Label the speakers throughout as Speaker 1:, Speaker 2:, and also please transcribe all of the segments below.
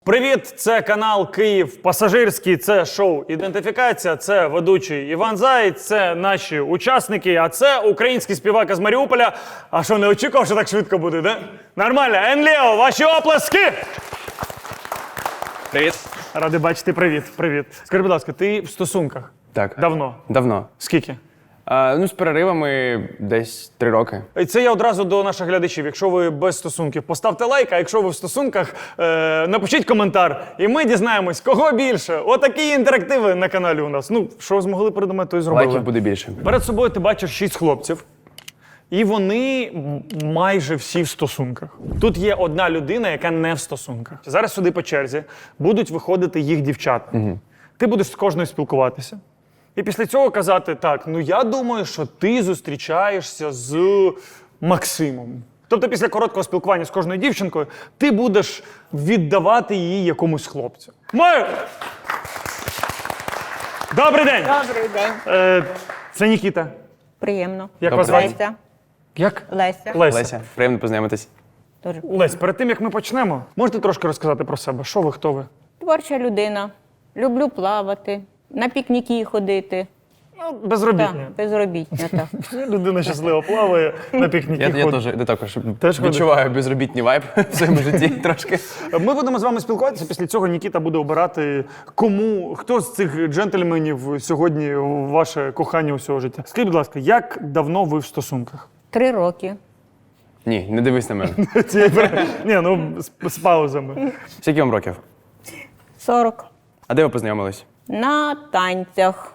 Speaker 1: Привіт, це канал Київ Пасажирський, це шоу «Ідентифікація», це ведучий Іван Заєць, це наші учасники, а це український співак із Маріуполя. А що, не очікував, що так швидко буде, да? Нормально. Енлео, ваші оплески!
Speaker 2: Привіт.
Speaker 1: Радий бачити, привіт. Скажи, будь ласка, ти в стосунках?
Speaker 2: Так.
Speaker 1: Давно?
Speaker 2: Давно.
Speaker 1: Скільки?
Speaker 2: З переривами десь 3 роки.
Speaker 1: І це я одразу до наших глядачів. Якщо ви без стосунків, поставте лайк, а якщо ви в стосунках, напишіть коментар. І ми дізнаємось, кого більше. Отакі інтерактиви на каналі у нас. Ну, що змогли придумати, то і зробили.
Speaker 2: Лайків буде більше.
Speaker 1: Перед собою ти бачиш 6 хлопців. І вони майже всі в стосунках. Тут є одна людина, яка не в стосунках. Зараз сюди по черзі будуть виходити їх дівчата. Ти будеш з кожною спілкуватися. І після цього казати, так, ну я думаю, що ти зустрічаєшся з Максимом. Тобто після короткого спілкування з кожною дівчинкою ти будеш віддавати її якомусь хлопцю. Добрий день!
Speaker 3: Добрий день.
Speaker 1: Це Нікіта.
Speaker 3: Приємно.
Speaker 1: Як вас звати?
Speaker 3: Леся.
Speaker 1: Як?
Speaker 3: Леся.
Speaker 2: Леся, приємно познайомитись.
Speaker 3: Дуже.
Speaker 1: Лесь, перед тим, як ми почнемо, можете трошки розказати про себе? Що ви, хто ви?
Speaker 3: Творча людина. Люблю плавати, на пікніки ходити.
Speaker 1: Ну, безробітні.
Speaker 3: Так, безробітня, так.
Speaker 1: Людина щасливо плаває, на пікніки
Speaker 2: Я
Speaker 1: ходить.
Speaker 2: також
Speaker 1: Теж
Speaker 2: відчуваю безробітній вайб в своєму житті трошки.
Speaker 1: Ми будемо з вами спілкуватися, після цього Нікіта буде обирати, хто з цих джентльменів сьогодні ваше кохання усього життя. Скажіть, будь ласка, як давно ви в стосунках?
Speaker 3: 3 роки.
Speaker 2: Ні, не дивись на мене.
Speaker 1: Ні, ну з паузами.
Speaker 2: Скільки вам років?
Speaker 3: 40.
Speaker 2: А де ви познайомились?
Speaker 3: На танцях.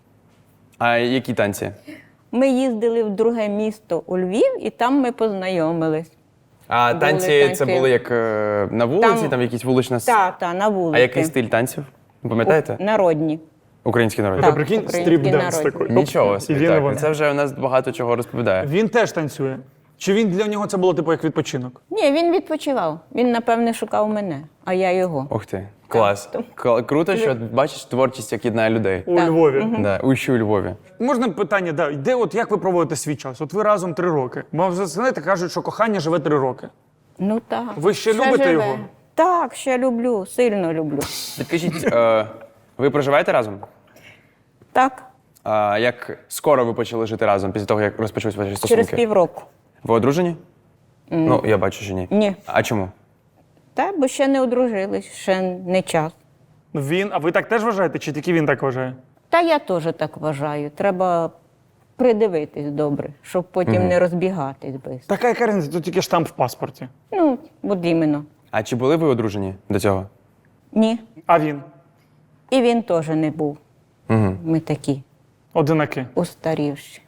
Speaker 2: А які танці?
Speaker 3: Ми їздили в друге місто у Львів, і там ми познайомились.
Speaker 2: А
Speaker 3: Були
Speaker 2: танці це
Speaker 3: танці.
Speaker 2: були як на вулиці, там якісь вулична
Speaker 3: Так, на вулиці.
Speaker 2: А який стиль танців? Пам'ятаєте?
Speaker 3: Народні.
Speaker 2: Український народ.
Speaker 3: Так.
Speaker 1: Прикинь,
Speaker 3: український
Speaker 1: стріп-денс
Speaker 3: народ.
Speaker 1: такий.
Speaker 2: Нічого
Speaker 1: І
Speaker 2: собі,
Speaker 1: він і вона.
Speaker 2: так. Це вже у нас багато чого розповідає.
Speaker 1: Він теж танцює? Чи він для нього це було типу як відпочинок?
Speaker 3: Ні, він відпочивав. Він, напевне, шукав мене, а я його.
Speaker 2: Ух ти, клас. Круто, що бачиш творчість, як єднає людей.
Speaker 1: У Львові.
Speaker 2: Да, у Львові.
Speaker 1: Можна питання, де от як ви проводите свій час? От ви разом 3 роки. Бо вже знаєте, кажуть, що кохання живе 3 роки.
Speaker 3: Ну так.
Speaker 1: Ви ще любите
Speaker 3: живе.
Speaker 1: його?
Speaker 3: Так, ще люблю, сильно люблю.
Speaker 2: Підкажіть, ви проживаєте разом?
Speaker 3: Так,
Speaker 2: А як скоро ви почали жити разом, після того, як розпочались ваші стосунки?
Speaker 3: через півроку.
Speaker 2: Ви одружені? Ну, я бачу, що ні.
Speaker 3: Ні.
Speaker 2: А чому?
Speaker 3: Та, бо ще не одружились, ще не час.
Speaker 1: А ви так теж вважаєте, чи тільки він так вважає?
Speaker 3: Та я теж так вважаю. Треба придивитись добре, щоб потім не розбігатись без.
Speaker 1: Така яка різниця, тут тільки штамп в паспорті.
Speaker 3: Ну, от іменно.
Speaker 2: А чи були ви одружені до цього?
Speaker 3: Ні.
Speaker 1: А він?
Speaker 3: І він теж не був.
Speaker 2: Угу.
Speaker 3: Ми такі
Speaker 1: Одинаки.
Speaker 3: устарівші.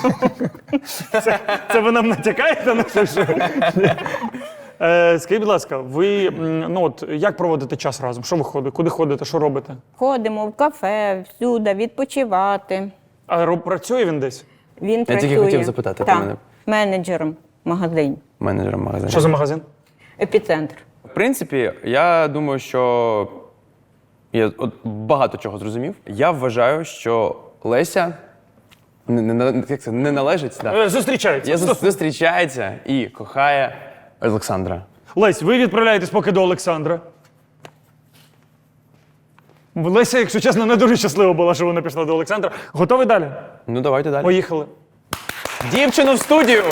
Speaker 1: Це ви нам натякаєте на те, що? Скажіть, будь ласка, ви як проводите час разом? Що ви ходите? Куди ходите? Що робите?
Speaker 3: Ходимо в кафе, всюди, відпочивати.
Speaker 1: А працює він десь?
Speaker 3: Він
Speaker 2: тільки
Speaker 3: працює.
Speaker 2: хотів запитати про
Speaker 3: Так,
Speaker 2: мене.
Speaker 3: менеджером магазин.
Speaker 2: Менеджером магазину.
Speaker 1: Що за магазин?
Speaker 3: Епіцентр.
Speaker 2: В принципі, я думаю, що я багато чого зрозумів. Я вважаю, що Леся не належить. Да.
Speaker 1: Зустрічається.
Speaker 2: Зустрічається і кохає Олександра.
Speaker 1: Лесь, ви відправляєтесь поки до Олександра. Леся, якщо чесно, не дуже щаслива була, що вона пішла до Олександра. Готові далі?
Speaker 2: Ну, давайте далі.
Speaker 1: Поїхали.
Speaker 2: Дівчину в студію!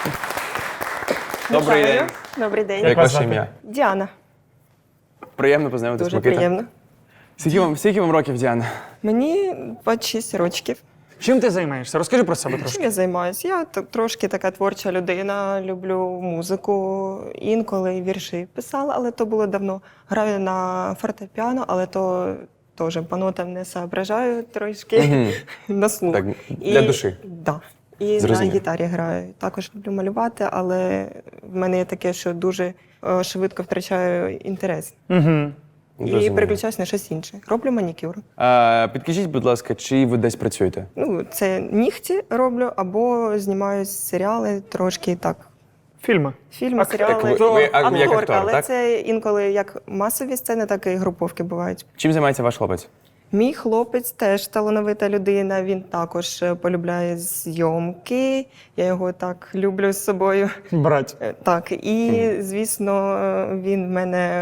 Speaker 2: Добрий день.
Speaker 4: Добрий день.
Speaker 2: Як ваше ім'я?
Speaker 4: Діана.
Speaker 2: Приємно познайомитись,
Speaker 4: Дуже
Speaker 2: Микита.
Speaker 4: приємно.
Speaker 2: Скільки вам років, Діана?
Speaker 4: Мені 26 років.
Speaker 1: Чим ти займаєшся? Розкажи про себе трошки.
Speaker 4: Чим я займаюся? Я трошки така творча людина, люблю музику, інколи вірші писала, але то було давно. Граю на фортепіано, але то теж по нотам не соображаю трошки на слух.
Speaker 2: Так, для душі.
Speaker 4: Да. І
Speaker 2: Зрозумів.
Speaker 4: на гітарі граю. Також люблю малювати, але в мене є таке, що дуже швидко втрачаю інтерес.
Speaker 1: Угу.
Speaker 4: І
Speaker 2: Зрозумів.
Speaker 4: переключаюсь на щось інше. Роблю манікюр.
Speaker 2: Підкажіть, будь ласка, чи ви десь працюєте?
Speaker 4: Ну, це нігті роблю, або знімаю серіали трошки так.
Speaker 1: Фільми.
Speaker 4: Фільми, серіали.
Speaker 2: ви як
Speaker 4: Акторка,
Speaker 2: актор,
Speaker 4: але
Speaker 2: так?
Speaker 4: це інколи як масові сцени, так і груповки бувають.
Speaker 2: Чим займається ваш хлопець?
Speaker 4: Мій хлопець теж талановита людина, він також полюбляє зйомки. Я його так люблю з собою.
Speaker 1: Брать.
Speaker 4: Так, і, звісно, він в мене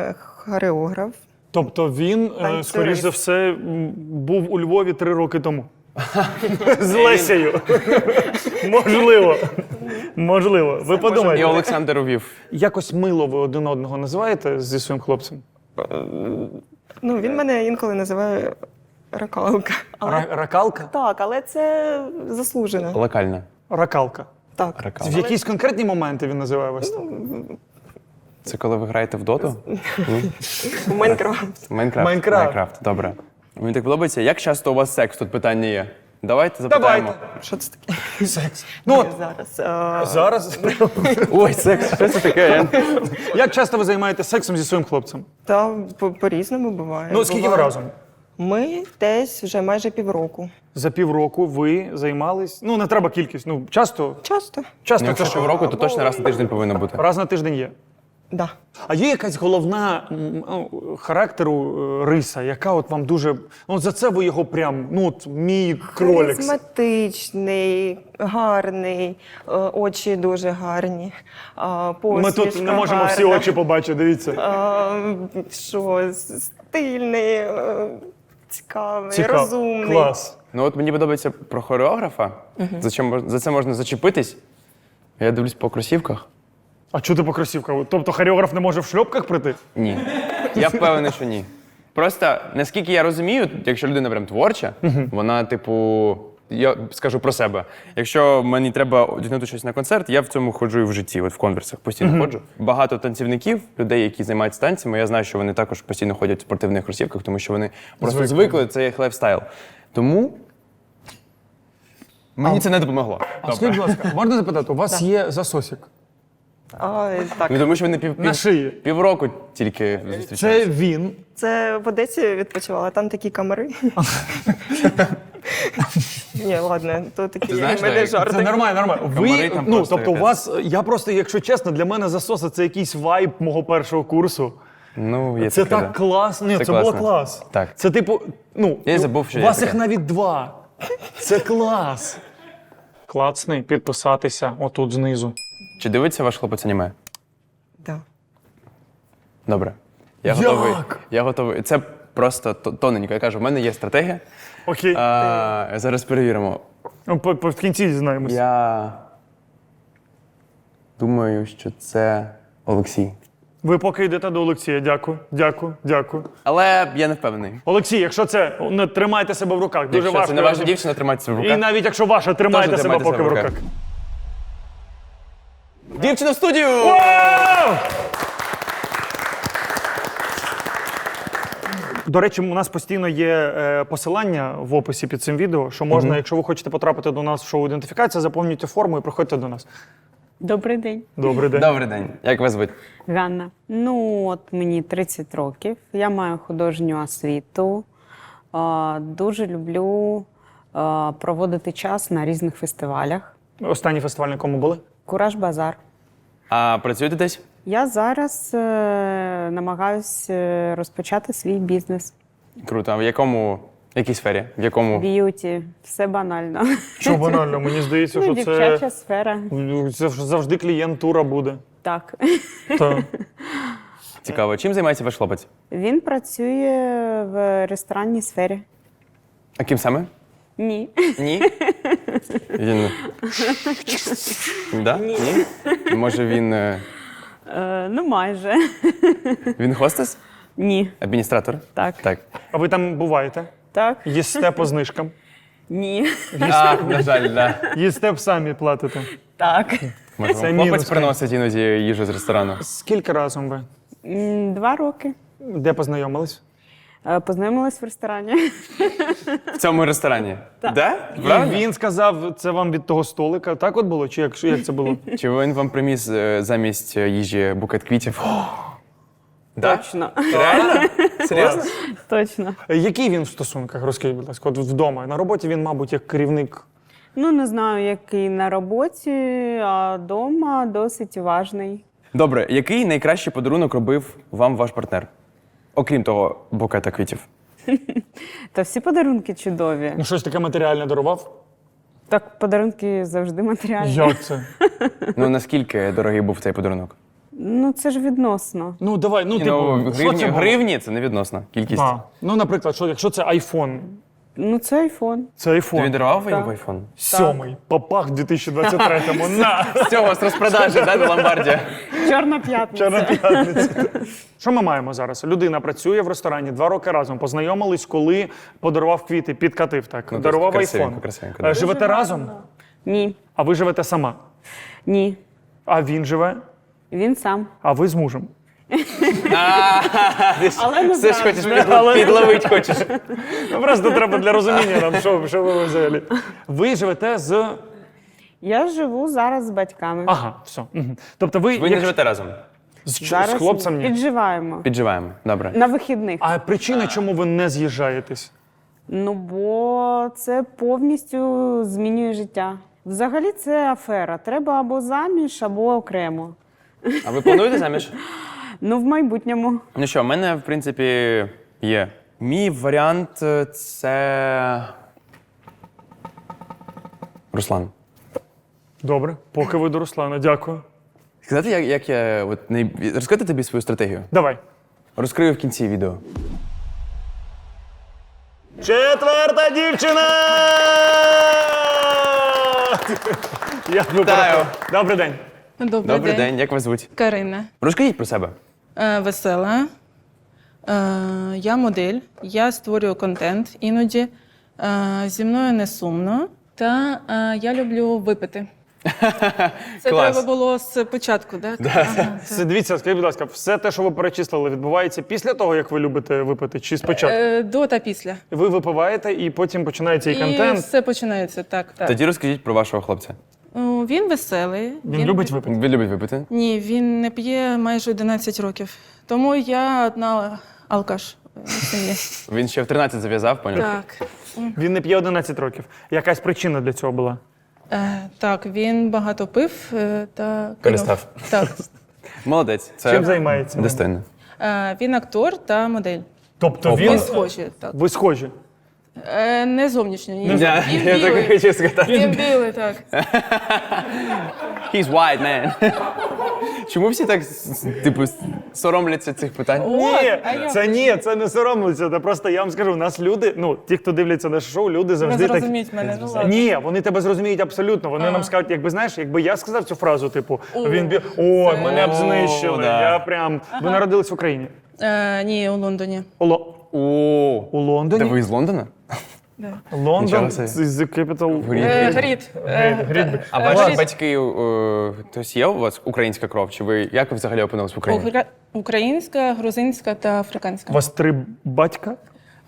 Speaker 4: хореограф.
Speaker 1: Тобто він,
Speaker 4: Танцюрист.
Speaker 1: скоріш за все, був у Львові 3 роки тому. З Лесею. Можливо. Можливо. Ви
Speaker 2: І
Speaker 1: подумайте.
Speaker 2: Олександр увів.
Speaker 1: Якось мило ви один одного називаєте зі своїм хлопцем?
Speaker 4: Ну, він мене інколи називає ракалка.
Speaker 1: Ракалка?
Speaker 4: Так, але це заслужено.
Speaker 2: Локальна.
Speaker 1: Ракалка.
Speaker 4: Так.
Speaker 2: Ракал.
Speaker 1: В якісь конкретні моменти він називає вас так?
Speaker 2: Це коли ви граєте в доту?
Speaker 4: У Майнкрафт.
Speaker 2: Майнкрафт.
Speaker 1: Майнкрафт.
Speaker 2: Добре. Мені так подобається. Як часто у вас секс? Тут питання є. Давайте запитаємо.
Speaker 4: Що це таке?
Speaker 1: Секс. Ну от,
Speaker 4: Зараз.
Speaker 1: зараз.
Speaker 2: Ой, секс, що це таке?
Speaker 1: Як часто ви займаєтеся сексом зі своїм хлопцем?
Speaker 4: Та по-різному буває.
Speaker 1: Ну, скільки ви
Speaker 4: Буває.
Speaker 1: разом?
Speaker 4: Ми десь вже майже півроку.
Speaker 1: За півроку ви займались. Ну, не треба кількість. Ну, часто.
Speaker 4: Часто.
Speaker 1: Часто
Speaker 2: Якщо
Speaker 1: це що?
Speaker 2: півроку, то точно раз на тиждень повинно бути.
Speaker 1: Раз на тиждень є.
Speaker 4: Да.
Speaker 1: А є якась головна характеру риса, яка от вам дуже. Ну, от за це ви його прям, ну, от мій кролик.
Speaker 4: Харизматичний, гарний, очі дуже гарні.
Speaker 1: Ми тут
Speaker 4: Посмішка
Speaker 1: не можемо всі
Speaker 4: гарна.
Speaker 1: очі побачити, дивіться.
Speaker 4: Що, стильний, цікавий,
Speaker 1: Цікаво.
Speaker 4: розумний.
Speaker 1: Клас.
Speaker 2: Ну от мені подобається про хореографа. За це можна зачепитись. Я дивлюсь по кросівках.
Speaker 1: А чого ти по кросівках? Тобто хореограф не може в шльопках прийти?
Speaker 2: Ні. Я впевнений, що ні. Просто, наскільки я розумію, якщо людина прям творча, вона, типу, я скажу про себе. Якщо мені треба одягнути щось на концерт, я в цьому ходжу і в житті, от в конверсах постійно ходжу. Багато танцівників, людей, які займаються танцями, я знаю, що вони також постійно ходять в спортивних кросівках, тому що вони просто звикли, це їх лайфстайл. Тому мені це не допомогло.
Speaker 1: А скажіть, будь ласка, можна запитати, у вас є засосик?
Speaker 4: Так.
Speaker 2: Ну, тому що вони
Speaker 1: На шиї.
Speaker 2: півроку тільки зустрічаються.
Speaker 1: Це він.
Speaker 4: Це в Одесі відпочивала, там такі камери. Ні, ладно, то такі
Speaker 2: знаєш,
Speaker 4: в мене
Speaker 2: Дар'я,
Speaker 4: жарти.
Speaker 1: Це нормально, нормально.
Speaker 2: Комари
Speaker 1: Ви,
Speaker 2: там
Speaker 1: ну,
Speaker 2: просто
Speaker 1: тобто у
Speaker 2: якась.
Speaker 1: вас, я просто, якщо чесно, для мене засоси це якийсь вайб мого першого курсу.
Speaker 2: Ну, є
Speaker 1: Це
Speaker 2: таке,
Speaker 1: так
Speaker 2: да.
Speaker 1: класно. Ні,
Speaker 2: Це
Speaker 1: це було
Speaker 2: класно.
Speaker 1: клас.
Speaker 2: Так.
Speaker 1: Це типу, ну,
Speaker 2: Я й забув, що
Speaker 1: у
Speaker 2: є
Speaker 1: вас
Speaker 2: таке.
Speaker 1: їх навіть 2. Це клас. Клацний, підписатися отут знизу.
Speaker 2: Чи дивиться ваш хлопець аніме?
Speaker 4: Да.
Speaker 2: Добре. Я
Speaker 1: Як?
Speaker 2: готовий. Я готовий. Це просто тоненько. Я кажу, в мене є стратегія.
Speaker 1: Окей.
Speaker 2: Зараз перевіримо.
Speaker 1: Ну, в кінці дізнаємося.
Speaker 2: Я думаю, що це Олексій.
Speaker 1: Ви поки йдете до Олексія. Дякую, дякую, дякую.
Speaker 2: Але я не впевнений.
Speaker 1: Олексій, якщо це, не тримайте себе в руках. Дуже
Speaker 2: Якщо
Speaker 1: важко.
Speaker 2: це не ваша дівчина, тримайтеся в
Speaker 1: І
Speaker 2: руках.
Speaker 1: навіть якщо ваша, тримайте
Speaker 2: Теж
Speaker 1: себе
Speaker 2: тримайте
Speaker 1: поки в
Speaker 2: себе в
Speaker 1: руках.
Speaker 2: Дівчина в студію!
Speaker 1: Вау! До речі, у нас постійно є посилання в описі під цим відео, що можна, якщо ви хочете потрапити до нас в шоу «Ідентифікація», заповнюйте форму і приходьте до нас.
Speaker 3: Добрий день.
Speaker 1: Добрий день.
Speaker 2: Добрий день. Як вас звуть?
Speaker 3: Ганна. Ну, от мені 30 років. Я маю художню освіту. Дуже люблю проводити час на різних фестивалях.
Speaker 1: Останній фестиваль, на якому були?
Speaker 3: Кураж Базар.
Speaker 2: А працюєте десь?
Speaker 3: Я зараз намагаюся розпочати свій бізнес.
Speaker 2: Круто. А в якій сфері? В якому?
Speaker 3: Б'юті. Все банально.
Speaker 1: Що банально, мені здається, що
Speaker 3: Дівчача сфера.
Speaker 1: це завжди клієнтура буде.
Speaker 3: Так.
Speaker 1: Так.
Speaker 2: Цікаво. Чим займається ваш хлопець?
Speaker 3: Він працює в ресторанній сфері.
Speaker 2: А ким саме?
Speaker 3: Ні.
Speaker 2: Ні? Він... Да? Ні? Може він...
Speaker 3: Ну, майже.
Speaker 2: Він хостес?
Speaker 3: Ні.
Speaker 2: Адміністратор?
Speaker 3: Так.
Speaker 2: Так.
Speaker 1: А ви там буваєте?
Speaker 3: Так?
Speaker 1: Їсте по знижкам?
Speaker 3: Ні.
Speaker 2: На жаль, да.
Speaker 1: Їсте б самі платите?
Speaker 3: Так.
Speaker 2: Може,
Speaker 1: Це
Speaker 2: вам
Speaker 1: мінус,
Speaker 2: хлопець приносить іноді їжу з ресторану?
Speaker 1: Скільки разом ви?
Speaker 3: 2 роки.
Speaker 1: Де познайомились?
Speaker 3: Познайомилась в ресторані.
Speaker 2: В цьому ресторані? Так. Да?
Speaker 1: І
Speaker 2: Правильно?
Speaker 1: він сказав, це вам від того столика. Так от було? Чи як це було?
Speaker 2: Чи він вам приніс замість їжі букет квітів? Да?
Speaker 3: Точно.
Speaker 2: Реально? Серйозно?
Speaker 3: Точно.
Speaker 1: Який він в стосунках? Розкажіть, будь ласка, от вдома. На роботі він, мабуть, як керівник.
Speaker 3: Ну, не знаю, який на роботі, а вдома досить уважний.
Speaker 2: Добре, який найкращий подарунок робив вам ваш партнер? Окрім того букета квітів.
Speaker 3: Та всі подарунки чудові.
Speaker 1: Ну, щось таке матеріальне дарував?
Speaker 3: Так, подарунки завжди матеріальні.
Speaker 1: Як це?
Speaker 2: Ну, наскільки дорогий був цей подарунок?
Speaker 3: Ну, це ж відносно.
Speaker 1: Ну, давай, ну,
Speaker 2: Ну,
Speaker 1: типу, що це було?
Speaker 2: гривні це не відносна кількість.
Speaker 1: А, ну, наприклад, якщо це iPhone,
Speaker 3: Ну, це айфон.
Speaker 1: це iPhone.
Speaker 2: Ти дарував
Speaker 3: Так.
Speaker 2: йому айфон?
Speaker 1: 7-й, попах в 2023-му, на!
Speaker 2: З цього, з розпродажі, да, до Ломбардія.
Speaker 3: Чорна п'ятниця.
Speaker 1: Чорна п'ятниця. Що ми маємо зараз? Людина працює в ресторані 2 роки разом. Познайомились, коли подарував квіти, підкатив так.
Speaker 2: Ну,
Speaker 1: дарував
Speaker 2: красивенько,
Speaker 1: айфон.
Speaker 2: красивенько, да.
Speaker 1: Живете разом?
Speaker 3: Ні.
Speaker 1: А ви живете сама?
Speaker 3: Ні.
Speaker 1: А він живе?
Speaker 3: Він сам.
Speaker 1: А ви з мужем?
Speaker 3: Але не
Speaker 2: Все ж
Speaker 3: зраджує.
Speaker 2: хочеш підловити хочеш.
Speaker 1: Ну, просто треба для розуміння нам, що ви взагалі. Ви живете з.
Speaker 3: Я живу зараз з батьками.
Speaker 1: Ага, все. Мгм. Тобто ви,
Speaker 2: Ви не живете разом.
Speaker 1: з
Speaker 3: Зараз
Speaker 1: хлопцем ні.
Speaker 3: підживаємо.
Speaker 2: Підживаємо. Добре.
Speaker 3: На вихідних.
Speaker 1: А причина, чому ви не з'їжджаєтесь?
Speaker 3: Ну, бо це повністю змінює життя. Взагалі це афера. Треба або заміж, або окремо.
Speaker 2: А ви плануєте заміж?
Speaker 3: Ну, в майбутньому.
Speaker 2: Ну що, в мене, в принципі, є. Мій варіант це. Руслан.
Speaker 1: Добре, поки ви до Руслана, дякую.
Speaker 2: Сказати, як я. Розказати тобі свою стратегію?
Speaker 1: Давай.
Speaker 2: Розкрию в кінці відео.
Speaker 1: Четверта дівчина!
Speaker 2: Вітаю.
Speaker 1: Добрий день.
Speaker 2: Добрий день, як вас звуть?
Speaker 5: Карина.
Speaker 2: Розкажіть про себе.
Speaker 5: Весела. Я модель. Я створюю контент іноді. Зі мною не сумно. Та я люблю випити. Це
Speaker 2: Клас.
Speaker 5: треба було з початку, так? Ага,
Speaker 1: Дивіться, скажіть, будь ласка, все те, що ви перечислили, відбувається після того, як ви любите випити, чи спочатку?
Speaker 5: До та після.
Speaker 1: Ви випиваєте і потім починається і
Speaker 5: І
Speaker 1: контент.
Speaker 5: все починається, так.
Speaker 2: Тоді розкажіть про вашого хлопця.
Speaker 5: Він веселий.
Speaker 1: Він любить випити.
Speaker 2: Він любить випити?
Speaker 5: Ні, він не п'є майже 11 років. Тому я одна алкаш в сім'ї.
Speaker 2: Він ще в 13 зав'язав, поняв?
Speaker 5: Так.
Speaker 1: Він не п'є 11 років. Якась причина для цього була?
Speaker 5: Так, він багато пив та кинув.
Speaker 2: Перестав.
Speaker 5: Так.
Speaker 2: Молодець. Це
Speaker 1: Чим займається?
Speaker 2: достойно.
Speaker 5: Він актор та модель.
Speaker 1: Тобто
Speaker 2: О,
Speaker 1: він.
Speaker 5: Ми схожі, так.
Speaker 1: Ви схожі.
Speaker 5: Не зовнішньо, ні.
Speaker 2: Я
Speaker 5: Він
Speaker 2: так і
Speaker 5: білий.
Speaker 2: хотів сказати.
Speaker 5: Він білий, так.
Speaker 2: He's white, man. Чому всі так, типу, соромляться цих питань?
Speaker 1: Це не соромлюся. Це просто я вам скажу, у нас люди, ну, ті, хто дивляться наше шоу, люди
Speaker 5: Не
Speaker 1: завжди так.
Speaker 5: зрозуміть мене, ну ладно.
Speaker 1: Ні, вони тебе зрозуміють абсолютно. Вони нам скажуть, якби знаєш, якби я сказав цю фразу, типу, ой, мене б знищили.
Speaker 2: да.
Speaker 1: Я прям. Ви народились в Україні?
Speaker 5: Ні, у Лондоні.
Speaker 1: У
Speaker 2: О,
Speaker 1: Лондоні?
Speaker 2: та ви з Лондона?
Speaker 5: Да.
Speaker 1: Лондон
Speaker 2: Нічого собі.
Speaker 1: is the capital.
Speaker 5: Грід.
Speaker 2: А ваші батьки, хтось є у вас українська кров? Чи ви як ви взагалі опинились в Україні?
Speaker 5: Українська, грузинська та африканська.
Speaker 1: У вас 3 батька?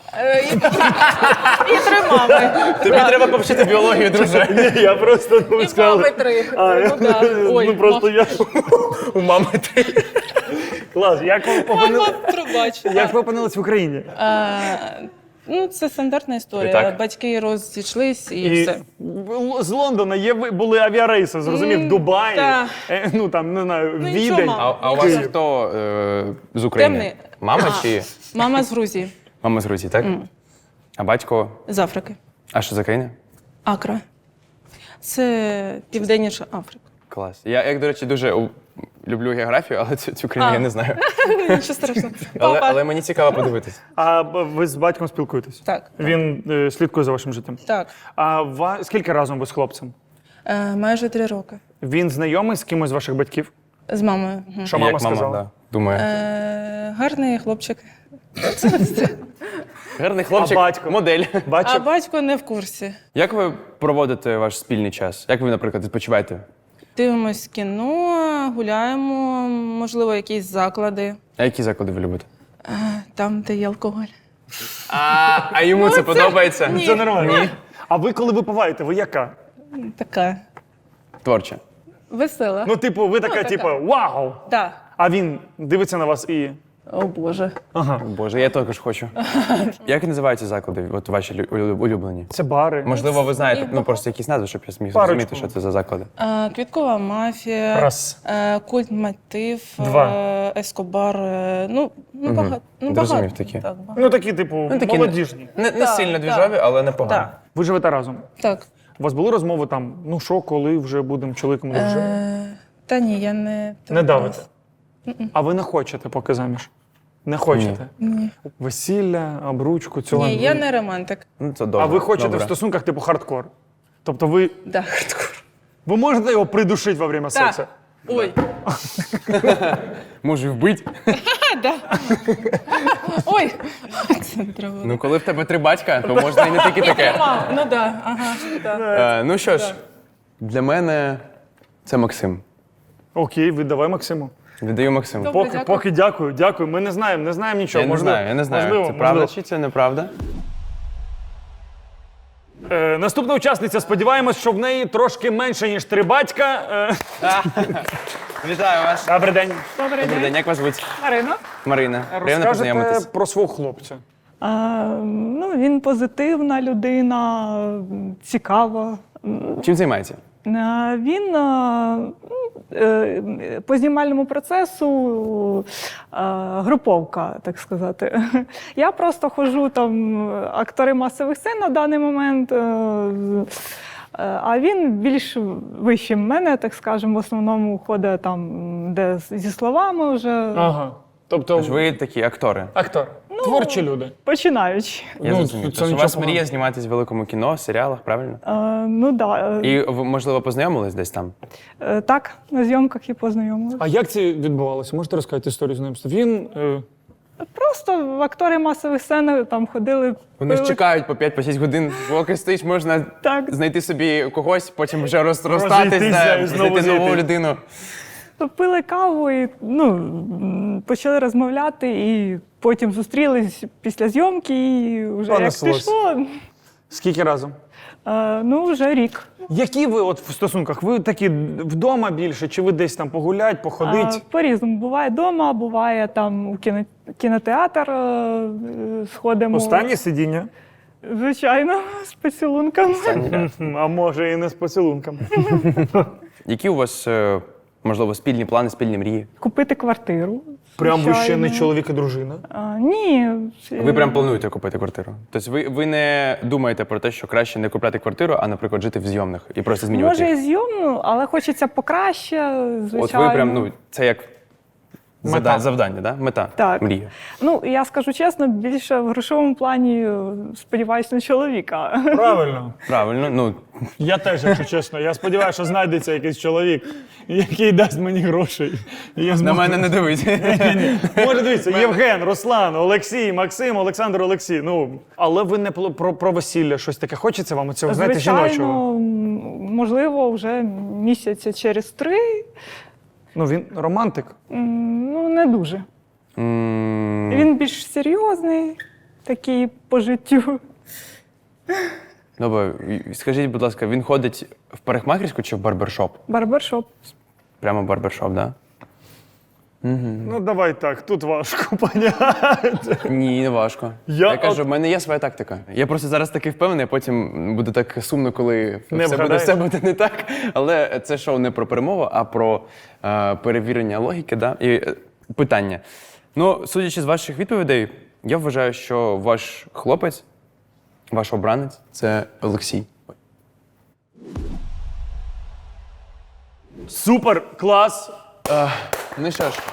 Speaker 5: І 3 мами.
Speaker 2: Тобі треба повчити біологію, друже.
Speaker 1: Ні, я просто ну,
Speaker 5: І мами 3. Ну, да. Ой,
Speaker 1: ну просто я.
Speaker 2: У мами 3.
Speaker 1: Клас, як ви
Speaker 5: мама,
Speaker 1: опинились?
Speaker 5: пробач.
Speaker 1: Як ви опинились в Україні?
Speaker 5: Ну, це стандартна історія.
Speaker 2: Так.
Speaker 5: Батьки розійшлись і
Speaker 1: І
Speaker 5: все.
Speaker 1: з Лондона були авіарейси, зрозумів, Дубай,
Speaker 5: так.
Speaker 1: ну там не знаю,
Speaker 5: Ну, нічого,
Speaker 1: Відень.
Speaker 5: мама.
Speaker 2: А у вас хто з України?
Speaker 5: Темний.
Speaker 2: Мама чи?
Speaker 5: Мама з Грузії,
Speaker 2: Мама з Грузії, так? А батько?
Speaker 5: з Африки.
Speaker 2: А що за країна?
Speaker 5: Акра. Це Південніша Африка.
Speaker 2: Клас. Я, як, до речі, дуже люблю географію, але цю країну я не знаю.
Speaker 5: Нічого страшного.
Speaker 2: Але мені цікаво подивитись.
Speaker 1: А ви з батьком спілкуєтесь?
Speaker 5: Так.
Speaker 1: Він слідкує за вашим життям.
Speaker 5: Так.
Speaker 1: А скільки разом ви з хлопцем?
Speaker 5: Майже 3 роки.
Speaker 1: Він знайомий з кимось з ваших батьків?
Speaker 5: З мамою. Мгм.
Speaker 1: Що мама
Speaker 2: Як
Speaker 1: сказала?
Speaker 2: да, думаю.
Speaker 5: Гарний хлопчик.
Speaker 2: Гарний хлопчик,
Speaker 1: А батько?
Speaker 2: модель.
Speaker 5: А
Speaker 1: Бачив?
Speaker 5: батько не в курсі.
Speaker 2: Як ви проводите ваш спільний час? Як ви, наприклад, відпочиваєте?
Speaker 5: Дивимось кіно, гуляємо, можливо, якісь заклади.
Speaker 2: А які заклади ви любите?
Speaker 5: Там, де є алкоголь.
Speaker 2: А йому це подобається?
Speaker 5: Ні.
Speaker 1: Це нормально. А ви коли випиваєте, ви яка?
Speaker 5: Така
Speaker 2: Творче.
Speaker 5: весела.
Speaker 1: Ну, типу, ви така, типу, вау!
Speaker 5: Так.
Speaker 1: А він дивиться на вас і.
Speaker 5: О Боже.
Speaker 1: Ага.
Speaker 2: Боже, я також хочу. Як називаються заклади, от ваші улюблені?
Speaker 1: Це бари.
Speaker 2: Можливо, ви знаєте, ну просто якісь назви, щоб я зміг
Speaker 1: Парочку.
Speaker 2: зрозуміти, що це за заклади.
Speaker 5: Квіткова мафія.
Speaker 1: Раз.
Speaker 5: Культ мотив.
Speaker 1: 2.
Speaker 5: Ескобар. Ну багато. Ну,
Speaker 2: Зрозумів
Speaker 5: багато.
Speaker 2: такі.
Speaker 5: Так, багато.
Speaker 1: Ну, такі, типу,
Speaker 2: такі
Speaker 1: молодіжні.
Speaker 2: Не сильно двіжові, але непогано.
Speaker 5: Так.
Speaker 1: Ви живете разом.
Speaker 5: Так.
Speaker 1: У вас були розмови там, ну що, коли вже будемо чоловіком дружиною?
Speaker 5: Та ні, я не.
Speaker 1: Не давите. А ви не хочете поки заміж? Не хочете?
Speaker 5: Ні.
Speaker 1: Весілля, обручку, цього?
Speaker 5: Ні, я не романтик.
Speaker 2: Ну, це добре.
Speaker 1: А ви хочете
Speaker 2: добре.
Speaker 1: в стосунках типу хардкор? Тобто ви
Speaker 5: Да, хардкор.
Speaker 1: можете його придушити во время сексу?
Speaker 5: Так. Ой.
Speaker 2: Може вбити?
Speaker 5: Ой. Це не треба.
Speaker 2: Ну, коли в тебе 3 батька, то можна і не тільки таке.
Speaker 5: Ну да, ага. Да.
Speaker 2: Ну що ж, для мене це Максим.
Speaker 1: Окей, віддавай Максиму.
Speaker 2: Віддаю Максиму.
Speaker 5: Добре,
Speaker 1: Поки,
Speaker 5: дякую.
Speaker 1: поки дякую. Ми не знаємо нічого.
Speaker 2: Я не знаю.
Speaker 1: Можливо,
Speaker 2: Це правда
Speaker 1: можливо.
Speaker 2: чи це неправда?
Speaker 1: Наступна учасниця, сподіваємось, що в неї трошки менше, ніж 3 батька.
Speaker 2: Вітаю вас.
Speaker 1: Добрий день.
Speaker 2: Добрий день, як вас звуть?
Speaker 6: Марина.
Speaker 2: Марина. Приємно
Speaker 1: Розкажете
Speaker 2: познайомитись.
Speaker 1: про свого хлопця.
Speaker 6: Ну, він позитивна людина, цікава.
Speaker 2: Чим займається?
Speaker 6: Він по знімальному процесу груповка, так сказати. Я просто ходжу там актори масових сцен на даний момент. А він більш вищий мене, так скажемо, в основному ходить там, де зі словами вже
Speaker 1: Ага. Тобто
Speaker 2: Тож ви такі актори.
Speaker 1: актор. Творчі люди.
Speaker 6: починаючи.
Speaker 2: Я
Speaker 1: Ну,
Speaker 2: зрозумів.
Speaker 1: це
Speaker 2: Тож у
Speaker 1: нічого
Speaker 2: вас
Speaker 1: поганого.
Speaker 2: мрія зніматись в великому кіно, серіалах, правильно?
Speaker 6: Ну так.
Speaker 2: І ви, можливо, познайомились десь там?
Speaker 6: Так, на зйомках і познайомилися.
Speaker 1: А як це відбувалося? Можете розказати історію знайомства? Він
Speaker 6: Просто в актори масових сцен там ходили.
Speaker 2: Вони ж
Speaker 6: пили,
Speaker 2: чекають по 5-6 годин, поки стоїш, можна
Speaker 6: Так.
Speaker 2: знайти собі когось, потім вже розстатись,
Speaker 1: Розійтися і
Speaker 2: да,
Speaker 1: знову
Speaker 2: знайти нову
Speaker 1: зійти.
Speaker 2: людину.
Speaker 6: пили каву і почали розмовляти, і потім зустрілись після зйомки, і вже як
Speaker 1: Понеслось.
Speaker 6: пішло.
Speaker 1: скільки разом?
Speaker 6: Вже рік.
Speaker 1: Які ви от в стосунках? Ви такі вдома більше, чи ви десь там погулять, походить?
Speaker 6: По-різному. Буває вдома, буває там у кінотеатр сходимо.
Speaker 1: Останнє сидіння?
Speaker 6: Звичайно, з поцілунками.
Speaker 1: А може і не з поцілунком.
Speaker 2: Які у вас, можливо, спільні плани, спільні мрії?
Speaker 6: Купити квартиру.
Speaker 1: Прям ви ще не
Speaker 6: звичайно.
Speaker 1: чоловік і дружина?
Speaker 6: Ні.
Speaker 2: Ви прям плануєте купити квартиру? Тобто ви не думаєте про те, що краще не купляти квартиру, а, наприклад, жити в зйомних і просто змінювати
Speaker 6: Може і
Speaker 2: їх?
Speaker 6: зйомну, але хочеться покраще, звичайно.
Speaker 2: От ви прям, це як
Speaker 1: Мета.
Speaker 2: завдання, да? Мета,
Speaker 6: Так.
Speaker 2: мрія.
Speaker 6: Я скажу чесно, більше в грошовому плані сподіваюся на чоловіка.
Speaker 1: Правильно.
Speaker 2: Правильно,
Speaker 1: Я теж, якщо чесно. Я сподіваюся, що знайдеться якийсь чоловік, який дасть мені грошей. І я
Speaker 2: на
Speaker 1: зможу...
Speaker 2: мене не дивись.
Speaker 1: Може, дивіться, Євген, Руслан, Олексій, Максим, Олександр, Олексій. Але ви не про весілля щось таке хочеться вам цього, знаєте, жіночого?
Speaker 6: Звичайно, можливо, вже місяця через 3.
Speaker 1: Він романтик.
Speaker 6: Не дуже. Він більш серйозний, такий по життю.
Speaker 2: Добре, скажіть, будь ласка, він ходить в парикмахерську чи в барбершоп?
Speaker 6: Барбершоп.
Speaker 2: Прямо в барбершоп, так?
Speaker 1: Давай так, тут важко поняти.
Speaker 2: Ні, не важко.
Speaker 1: Я
Speaker 2: Я кажу, в мене є своя тактика. Я просто зараз такий впевнений, а потім буде так сумно, коли
Speaker 1: вгадаєш.
Speaker 2: все буде не так. Але це шоу не про перемову, а про перевірення логіки, да? І питання. Судячи з ваших відповідей, я вважаю, що ваш хлопець, ваш обранець – це Олексій.
Speaker 1: Супер, клас.
Speaker 2: Ну що ж,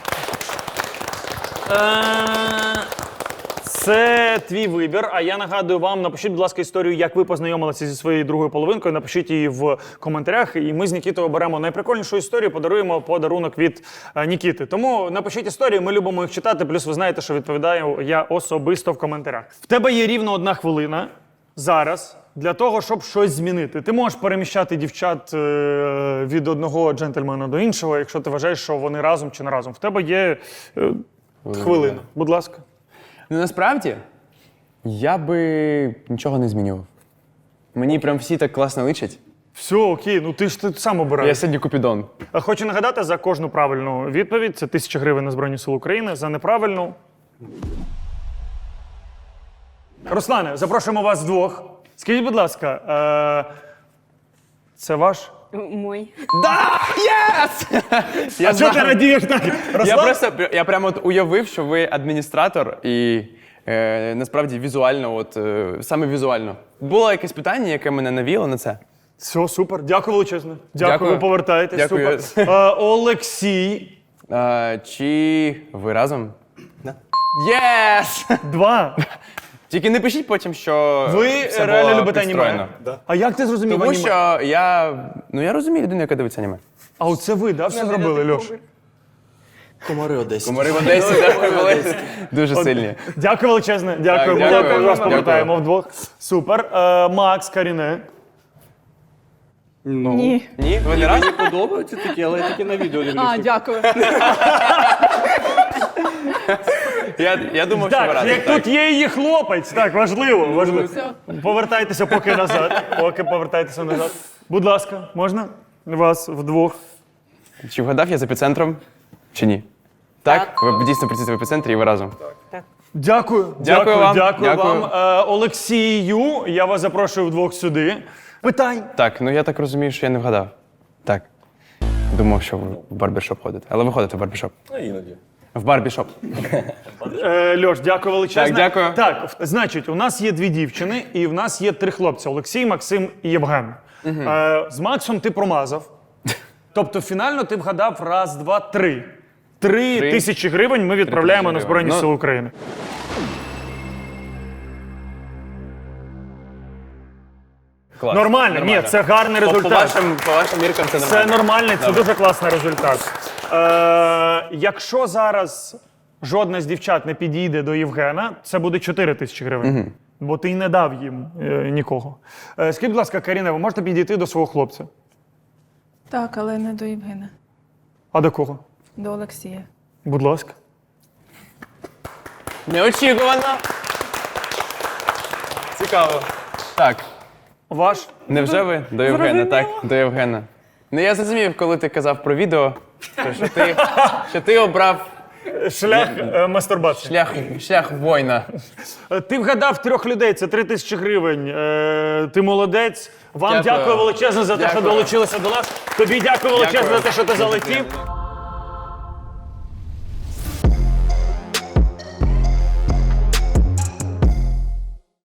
Speaker 1: Це твій вибір. А я нагадую вам, напишіть, будь ласка, історію, як ви познайомилися зі своєю другою половинкою. Напишіть її в коментарях, і ми з Нікітою оберемо найприкольнішу історію, подаруємо подарунок від Нікіти. Тому напишіть історії, ми любимо їх читати. Плюс ви знаєте, що відповідаю я особисто в коментарях. В тебе є рівно 1 хвилина зараз для того, щоб щось змінити. Ти можеш переміщати дівчат від одного джентльмена до іншого, якщо ти вважаєш, що вони разом чи не разом. В тебе є хвилина. Будь ласка.
Speaker 2: насправді, я би нічого не змінював. Мені прям всі так класно личать.
Speaker 1: Все, окей, ти ж сам
Speaker 2: Я
Speaker 1: обираєш.
Speaker 2: сьогодні Купідон.
Speaker 1: Хочу нагадати, за кожну правильну відповідь це 1000 гривень на Збройні Сили України, за неправильну. Руслане, запрошуємо вас вдвох. Скажіть, будь ласка, це ваш?
Speaker 3: Мой.
Speaker 1: А чого ти радієш так?
Speaker 2: Я прямо от уявив, що ви адміністратор і насправді візуально, саме візуально. Було якесь питання, яке мене навіло на це.
Speaker 1: Все, супер. Дякую величезно. Дякую,
Speaker 2: Дякую.
Speaker 1: ви повертаєтесь.
Speaker 2: Дякую.
Speaker 1: Супер. Олексій,
Speaker 2: Чи ви разом? Єс!
Speaker 1: 2.
Speaker 2: Тільки не пишіть потім, що
Speaker 1: Ви
Speaker 2: все
Speaker 1: реально
Speaker 2: було
Speaker 1: любите
Speaker 2: підстроєно.
Speaker 1: аніме? А як ти зрозумів
Speaker 2: Тому
Speaker 1: аніме?
Speaker 2: що я розумію людину, яка дивиться аніме.
Speaker 1: А оце ви, да, все зробили, Льош?
Speaker 7: Комари Одесі.
Speaker 2: Комари в Одесі були дуже сильні.
Speaker 1: Дякую величезне. Дякую.
Speaker 2: Так, дякую.
Speaker 1: Ми вас
Speaker 2: Дякую.
Speaker 1: повертаємо вдвох. Супер. Макс, Каріне.
Speaker 5: Ні.
Speaker 2: Ні? Ви не разом?
Speaker 7: Мені подобаються такі, але я тільки на відео дивлюся.
Speaker 5: А, дякую.
Speaker 2: Я думав, що ви
Speaker 1: Так,
Speaker 2: разом.
Speaker 1: як тут є її хлопець, так, важливо, важливо. Повертайтеся поки назад. Поки повертайтеся назад. Будь ласка, можна вас вдвох?
Speaker 2: Чи вгадав я з епіцентром, чи ні? Так? Ви дійсно працюєте в епіцентрі і ви разом?
Speaker 1: Дякую.
Speaker 2: Дякую вам.
Speaker 1: Дякую
Speaker 2: Дякую.
Speaker 1: вам. Олексію, я вас запрошую вдвох сюди. Питань.
Speaker 2: Так, ну я так розумію, що я не вгадав. Так. Думав, що ви в барбершоп ходите. Але ви ходите в барбершоп.
Speaker 7: Іноді.
Speaker 2: В барбершоп.
Speaker 1: Льош, дякую величезне.
Speaker 2: Так, дякую.
Speaker 1: Так, значить, у нас є 2 дівчини і в нас є 3 хлопці: Олексій, Максим і Євген. З Максом ти промазав. Тобто фінально ти вгадав раз, два, 3. 3 тисячі гривень ми відправляємо на Збройні
Speaker 2: гривень. Ну,
Speaker 1: Сили України.
Speaker 2: Клас.
Speaker 1: Нормально, ні, це гарний
Speaker 2: По
Speaker 1: результат.
Speaker 2: вашим міркам це
Speaker 1: Це
Speaker 2: нормально.
Speaker 1: нормальний, це дуже класний результат. Якщо зараз жодна з дівчат не підійде до Євгена, це буде 4 тисячі гривень. Бо ти й не дав їм нікого. Скажіть, будь ласка, Каріна, ви можете підійти до свого хлопця?
Speaker 5: Так, але не до Євгена,
Speaker 1: А до кого?
Speaker 5: до Олексія.
Speaker 1: Будь ласка.
Speaker 2: Неочікувано. Цікаво. Так.
Speaker 1: Ваш?
Speaker 2: Невже ви до Євгена? Так, до Євгена. Ну я зрозумів, коли ти казав про відео, що ти обрав
Speaker 1: Шлях мастурбації.
Speaker 2: шлях воїна.
Speaker 1: Ти вгадав 3 людей, це 3 тисячі гривень. Ти молодець. Вам
Speaker 2: Дякую.
Speaker 1: дякую величезно за те, що
Speaker 2: Дякую.
Speaker 1: долучилися до нас. Тобі дякую величезно
Speaker 2: Дякую.
Speaker 1: за те, що ти залетів.